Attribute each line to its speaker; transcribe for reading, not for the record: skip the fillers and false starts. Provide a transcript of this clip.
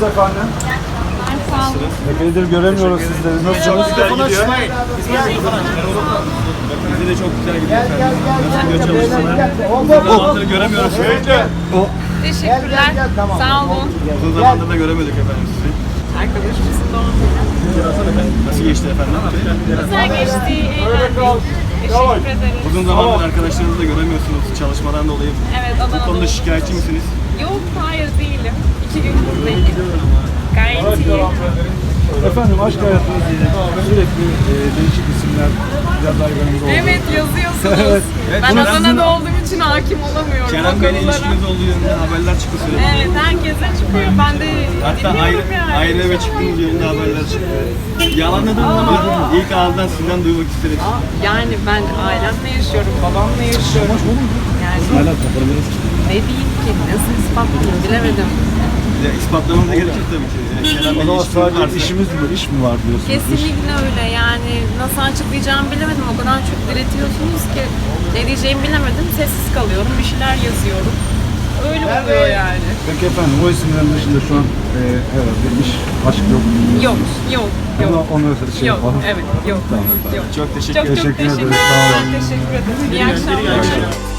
Speaker 1: Nasılsınız efendim?
Speaker 2: Sağ olun.
Speaker 1: Epeydir göremiyoruz sizleri. Nasılsınız?
Speaker 3: Mikrofonu açmayın. Bize de çok güzel gidiyor efendim. Nasıl gidiyor çalışmalar? Uzun zamandır göremiyoruz sizi.
Speaker 2: Teşekkürler. Sağ olun.
Speaker 3: Uzun zamandır da göremedik efendim sizi.
Speaker 2: Arkadaşımızın doğum günü.
Speaker 3: Nasıl geçti efendim?
Speaker 2: Güzel geçti. Eğlendik. Teşekkür ederiz.
Speaker 3: Uzun zamandır arkadaşlarınızı da göremiyorsunuz çalışmadan dolayı.
Speaker 2: Evet,
Speaker 3: Bu
Speaker 2: Adana'da.
Speaker 3: konuda şikayetçi misiniz?
Speaker 2: Yok, hayır değilim. 2 gün buradayım. Gayet iyi.
Speaker 1: Efendim aşk hayatınız sürekli değişik isimler biraz ayranında oldu.
Speaker 2: Evet, yazıyorsunuz.
Speaker 1: Evet.
Speaker 2: Ben
Speaker 3: Bunu
Speaker 2: Adana'da olduğum için hakim olamıyorum.
Speaker 3: Kerem
Speaker 2: o
Speaker 3: Bey'le
Speaker 2: konulara.
Speaker 3: ilişkiniz olduğu yönünde haberler çıktı sürekli.
Speaker 2: Evet, herkese çıkıyor. Ben de
Speaker 3: Hatta
Speaker 2: dinliyorum yani.
Speaker 3: ayrı eve çıktığınız yönünde haberler çıktı. Yalanladınız ama ilk ağızdan sizden duymak isterim.
Speaker 2: Yani ben ailemle yaşıyorum, babamla yaşıyorum. Yani ne diyeyim ki, nasıl ispatlayayım bilemedim.
Speaker 3: Ya, ispatlamanıza gerekir tabii ki. Kerem
Speaker 1: O
Speaker 3: Bey'le
Speaker 1: zaman
Speaker 3: ilişkiniz
Speaker 1: sadece
Speaker 3: varsa.
Speaker 1: işimiz mi, iş mi var diyorsunuz?
Speaker 2: Kesinlikle öyle yani nasıl açıklayacağımı bilemedim. O kadar çok diretiyorsunuz ki ne diyeceğimi bilemedim. Sessiz kalıyorum, bir şeyler yazıyorum. Öyle oluyor yani.
Speaker 1: Peki efendim o isimlerin dışında şu an herhalde iş, aşk yok.
Speaker 2: Yok, yok, yok.
Speaker 1: Onu şey
Speaker 2: Yok,
Speaker 1: yapalım.
Speaker 2: evet, yok.
Speaker 1: Tamam efendim.
Speaker 2: Yok.
Speaker 3: Çok teşekkür
Speaker 2: Çok
Speaker 3: ederim.
Speaker 2: çok
Speaker 1: Teşekkür
Speaker 2: teşekkür
Speaker 1: ederiz. Sağ olun.
Speaker 2: ederim. Teşekkür ederim. İyi akşamlar.